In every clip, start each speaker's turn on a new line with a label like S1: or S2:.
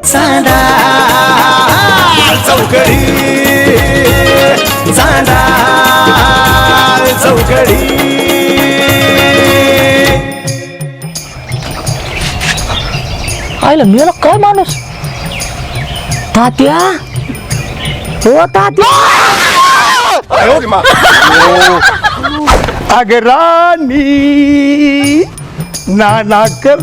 S1: चांदा चौकडी चांदा चौकडी.
S2: आयला मेला काय माणूस. तात्या हो तात्या.
S3: अगे रानी नाना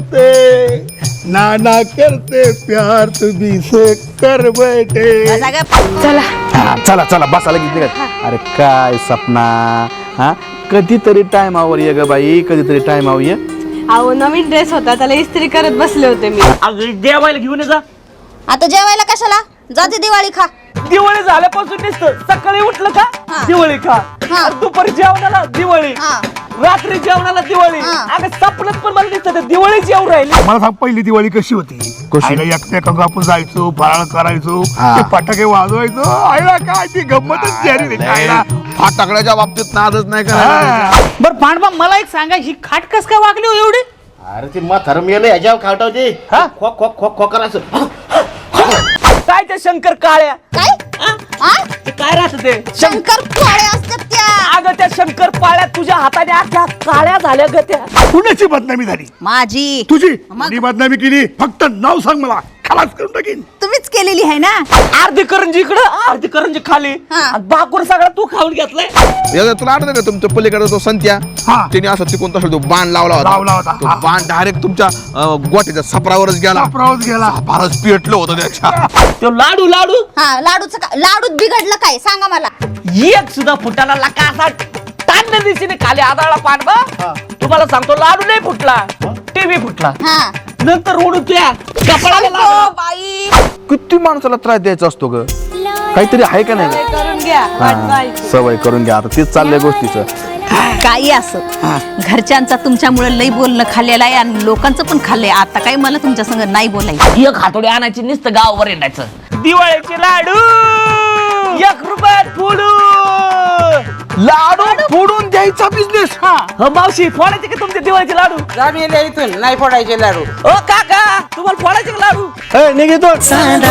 S3: करते प्यार तुझी से कर बैठे.
S2: चला
S4: चला चला बसा लगेच. अरे काय सपना हा कधीतरी टाइमावर ये ग बाई, कधीतरी टाइमावर ये.
S5: अहो नवीन ड्रेस होता त्याला इस्त्री करत बसले होते मी.
S2: देवायला घेऊन जा.
S6: आता जेवायला कशाला जाते दिवाळी खा.
S2: दिवाळी झाल्यापासून नुसतं सकाळी उठलं का दिवाळी खा, दुपारी जेवणाला दिवाळी, रात्री जेवणाला दिवाळी. अगं सपनात पण मला दिसत दिवाळी जेवण राहिली.
S3: मला सांग पहिली दिवाळी कशी होती. आईला एकट्या आपण जायचो, फराळ करायचो, ते फटाके वाजवायचो. आईला काय ती गंमतच झाली.
S4: फटाकड्याच्या बाबतीत नादच नाही का.
S2: बर पांडवा मला एक सांगा, ही खाट कस काय वागली हो एवढी.
S7: अरे ती म्हातारं मेलं ह्याच्यावर खावटावते. खोक खोक खोक खोक करायचं.
S2: काय त्या शंकर काळ्या
S6: काय
S2: काय राहत ते
S6: शंकर पोळे असतात त्या.
S2: अगं त्या शंकर पाळ्या तुझ्या हाताने अख्या काळ्या झाल्या ग त्या.
S3: कुणाची बदनामी झाली.
S6: माझी.
S3: तुझी. मी बदनामी केली. फक्त नाव सांग मला, खलास करून टाकीन.
S6: तुम्हीच केलेली आहे ना.
S2: अर्धी करंजी इकडं अर्धी करंजी खाली आणि बाकूर सगळा तू खाऊन घेतलाय.
S4: तुला आठवत का तुमच्या पलीकडे तो संत्या, त्याने असं तिकून तसं तो बाण लावला होता. तो बाण डायरेक्ट तुमच्या गोट्याच्या सपरावरच गेला. फारच पेटलं होतं त्याच्या.
S2: तो लाडू लाडू
S6: हा लाडूचं लाडूत बिघडलं काय सांगा मला.
S2: एक सुद्धा फुटाला लका असा तांड दिशेने खाली आदळला पांडवा. तुम्हाला सांगतो लाडू नाही फुटला, टीव्ही फुटला.
S6: हा
S2: नंतर ओढू त्या कपडाला लागला.
S6: बाई
S4: किती माणसाला त्रास द्यायचा असतो ग. काहीतरी आहे का नाही.
S5: करून घ्या.
S4: सवय करून घ्या. आता तेच चाललंय गोष्टीचं.
S6: काही असं घरच्यांचा तुमच्यामुळे लई बोलणं खाल्लेलं आहे आणि लोकांचं पण खाल्लंय. आता काही मला तुमच्या संग नाही बोलायचं.
S2: एक हातोडी आणायची नुसतं गावावर येण्याचं. दिवाळीचे लाडू 1 रुपयात फोडू.
S4: लाडू फोडून द्यायचा बिझनेस.
S2: मावशी फोडायचे का तुमचे दिवाळीचे लाडू.
S8: जामीन इथून नाही फोडायचे लाडू.
S2: ओ काका तुम्हाला फोडायचे का लाडू.
S1: निघतो चांदा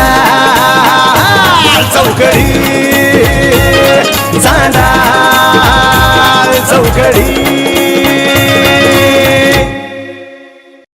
S1: चौकडी चांदा चौकडी.